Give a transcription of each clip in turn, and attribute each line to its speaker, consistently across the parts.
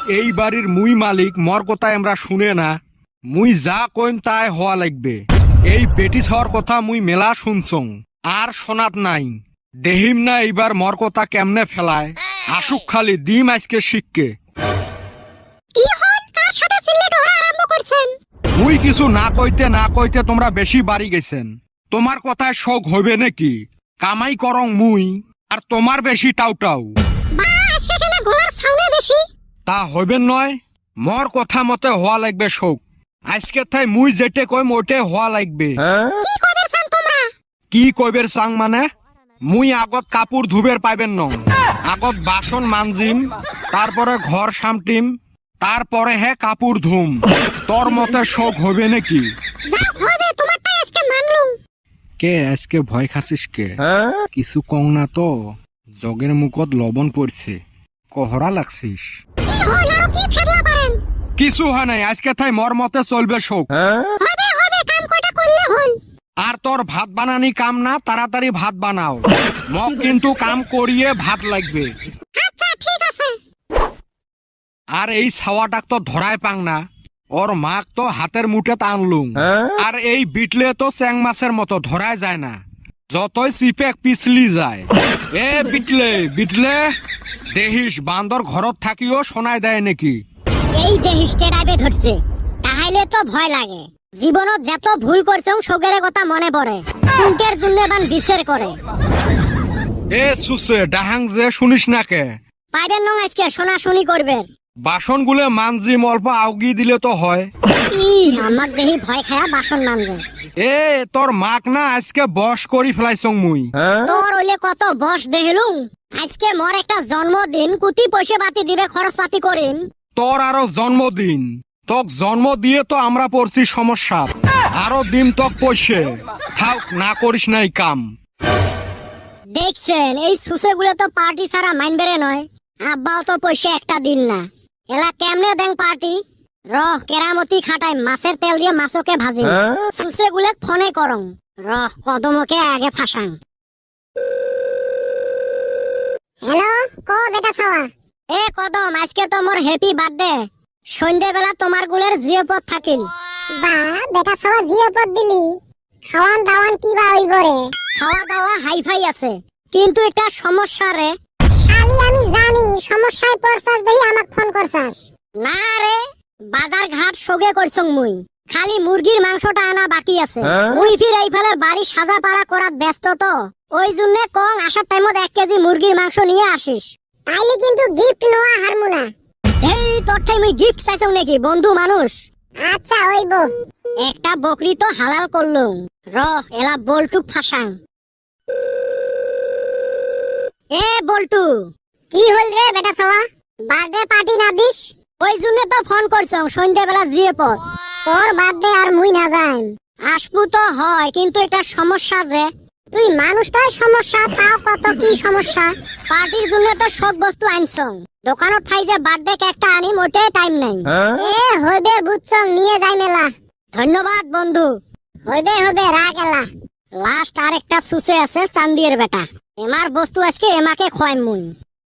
Speaker 1: এই বাড়ির মুই মালিক, মর কথা আমরা শুনে না। মুই যা কইম তাই হওয়া লাগবে। এই বেটি হওয়ার কথা মুই মেলা শুনছং, আর শোনাত নাই। দেহিম না এইবার মর কথা কেমনে ফেলায়। আসুক খালি দিম আজকে শিখকে। মুই কিছু না কইতে তোমরা বেশি বাড়ি গেছেন। তোমার কথায় শোক হইবে নাকি? কামাই করং মুই, আর তোমার বেশি টাউটাউ। তা হইবেন নয়, মর কথা মতে হওয়া লাগবে শোক। আজকে তাই মুই যেটে কইম ওটে হওয়া লাগবে। কি কইবের চাং মানে? মুই আগত কাপড় ধুবের পাইবেন ন, আগত বাসন মানজিম, তারপরে ঘর সামটিম, তারপরে হে কাপড় ধুম। তোর মতে শোক হবে নাকি? কে আজকে ভয় খাসিস কে? কিছু কং না তো, জগের মুখত লবণ পড়ছে, কহরা লাগছিস। কিছু হয় নাই, আজকে তাই মর মতে চলবে শোক। আর তোর ভাত বানানি কাম না, তাড়াতাড়ি ভাত বানাও। মক কিন্তু কাম করিয়ে ভাত লাগবে। আর এই ছাওয়াটাক তো ধরায় পাং না, ওর মাক তো হাতের মুঠে টানলুম। আর এই বিটলে তো চ্যাং মাছের মতো ধরায় যায় না, যতই চিপে পিছলি যায়। এ বিটলে বিটলে, দেহিস বান্দর ঘরত থাকিও শোনায় দেয় নাকি?
Speaker 2: এই দেহিস টেরাইবে ধরছে, তাহলে তো ভয় লাগে। জীবনত যত ভুল করছে সগের কথা মনে পড়ে, কুন্টের জন্য বান বিচার করে।
Speaker 1: এ সুসে ডাহাং যে শুনিস না কে?
Speaker 2: পাইবেন না আজকে শোনাশুনি করবে।
Speaker 1: বাসন গুলে মানজিম, অল্প আউগি দিলে তো হয়।
Speaker 2: আমাক দেহি ভয় খায়া বাসন মানজে।
Speaker 1: এ তোর মাক না আজকে বস করি ফেলাইছং মুই।
Speaker 2: তোর হইলে কত বস দেখিলুম। আজকে মোর একটা জন্মদিন, কুতি পয়সা পাতি দিবে, খরচ পাতি করিম।
Speaker 1: তোর আরো জন্মদিন, তোক জন্ম দিয়ে তো আমরা পড়ছি সমস্যা। আরো দিন তোক পয়সে থাক, না করিস নাই কাম।
Speaker 2: দেখছেন এই সুসে গুলো তো পার্টি ছাড়া মাইনবেরে নয়। আব্বাও তো পয়সা একটা দিল না, এলা কেমনে দেন পার্টি। রহ কেরামতি খাটাই, মাছের তেল দিয়ে মাছকে ভাজি। সুসে গুলে ফোনে করং, রহ কদমকে আগে ফাঁসাং। হ্যালো, কো বেটা ছাওয়া। এ কদম, আজকে তো মোর হ্যাপি বার্থডে। সন্ধ্যাবেলা তোমার গুলের জিওপদ থাকিল।
Speaker 3: বা বেটা ছাওয়া জিওপদ দিলি, খাওয়ান দাওয়ান কি বা হইব রে?
Speaker 2: খাওয়া দাওয়া হাইফাই আছে, কিন্তু একটা সমস্যা রে।
Speaker 3: খালি আমি জানি সমস্যায় পড়ছাস দেই আমাক ফোন করছাস।
Speaker 2: না রে, বাজার ঘাট সগে করছং মুই। খালি মুরগির মাংসটা আনা বাকি আছে। মুই ফির এইফালে বাড়ি সাজা পাড়া করাত ব্যস্ত তো, ওই জন্য কং আসার টাইমত 1 কেজি মুরগির মাংস নিয়ে আসিস।
Speaker 3: তাইলে কিন্তু গিফট নোয়া হারমু না।
Speaker 2: এই তোর ঠাই মুই গিফট চাইছং নাকি? বন্ধু মানুষ।
Speaker 3: আচ্ছা হইব।
Speaker 2: একটা বকরি তো হালাল করলুম, রহ এলা বল্টুক ফাঁসাং। এ বল্টু,
Speaker 3: কি হল রে বেটা ছাওয়া? বার্থডে পার্টি না দিস?
Speaker 2: ওই জন্য তো ফোন করছং, সন্ধ্যাবেলা জিওপদ।
Speaker 3: তোর বার্থডে আর মুই না যাইম।
Speaker 2: আসবো তো হয়, কিন্তু একটা সমস্যা যে।
Speaker 3: তুই মানুষটার সমস্যা, তাও কত কি সমস্যা।
Speaker 2: পার্টির জন্য তো সব বস্তু আনছং, দোকানত থাই যে বার্থডে কেকটা আনি মোটে টাইম নাই।
Speaker 3: এ হইবে বুঝছং, নিয়ে যাই মেলা।
Speaker 2: ধন্যবাদ বন্ধু।
Speaker 3: হইবে হইবে, রাগ এলা।
Speaker 2: লাস্ট আর একটা সুসে আছে, চান্দিয়ের বেটা। এমার বস্তু আজকে এমাকে খোয়াইম মুই।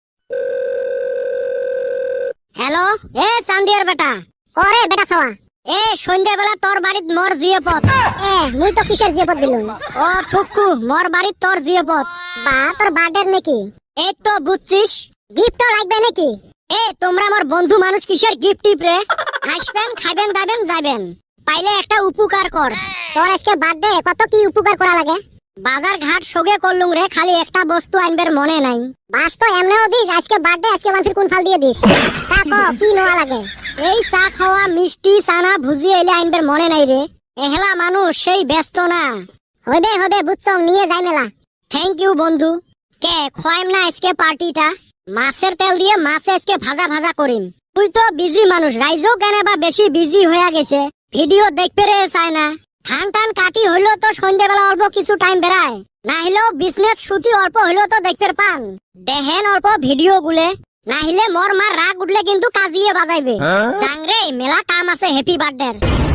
Speaker 2: হ্যালো, এ চান্দিয়ের বেটা।
Speaker 3: ওরে বেটা ছাওয়া,
Speaker 2: এ সন্ধ্যাবেলা তোর বাড়িত মোর জিওপদ।
Speaker 3: এ মুই তো কিসের জিওপদ দিলুম?
Speaker 2: ও থুকু, মোর বাড়িত তোর জিওপদ।
Speaker 3: বা তোর বার্থডে নাকি?
Speaker 2: এই তো বুঝছিস,
Speaker 3: গিফট লাগবে নাকি?
Speaker 2: এ তোমরা আমার বন্ধু মানুষ, কিসের গিফট টিপরে? আসবেন, খাবেন, দাবেন, যাবেন। পাইলে একটা উপকার কর।
Speaker 3: তোর আজকে বার্থডে, কত কি উপকার করা লাগে?
Speaker 2: বাজার ঘাট সগে করলুম রে, খালি একটা বস্তু আনবার মনে নাই।
Speaker 3: বাস তো এমনেও দিস, আজকে বার্থডে, আজকে মানফির কোন ফাল দিয়ে দিস। তা কো কি নোয়া লাগে?
Speaker 2: এই চা খাওয়া, মিষ্টি, চানা, ভুজি এলে আনবার মনে নাই রে। এহেলা মানুষ সেই ব্যস্ত না।
Speaker 3: হইবে হইবে বুঝছং, নিয়ে যাই মেলা।
Speaker 2: থ্যাংক ইউ বন্ধু। কে খোয়াইম না আজকে পার্টিটা? মাছের তেল দিয়ে মাছে আজকে ভাজা ভাজা করিম। তুই তো বিজি মানুষ, রাইজও কেন বা বেশি বিজি হয়ে গেছে, ভিডিও দেখতে রে চায় না। ধান টান কাটি হইলেও তো সন্ধ্যাবেলা অল্প কিছু টাইম বেড়ায়, না হলেও বিজনেস ছুটি অল্প হইলেও তো দেখতে পান। দেখেন অল্প ভিডিও গুলে, না হলে মোর মার রাগ উঠলে কিন্তু কাজিয়ে বাজাইবে। জাংরে মেলা কাম আছে হ্যাপি বার্থডে।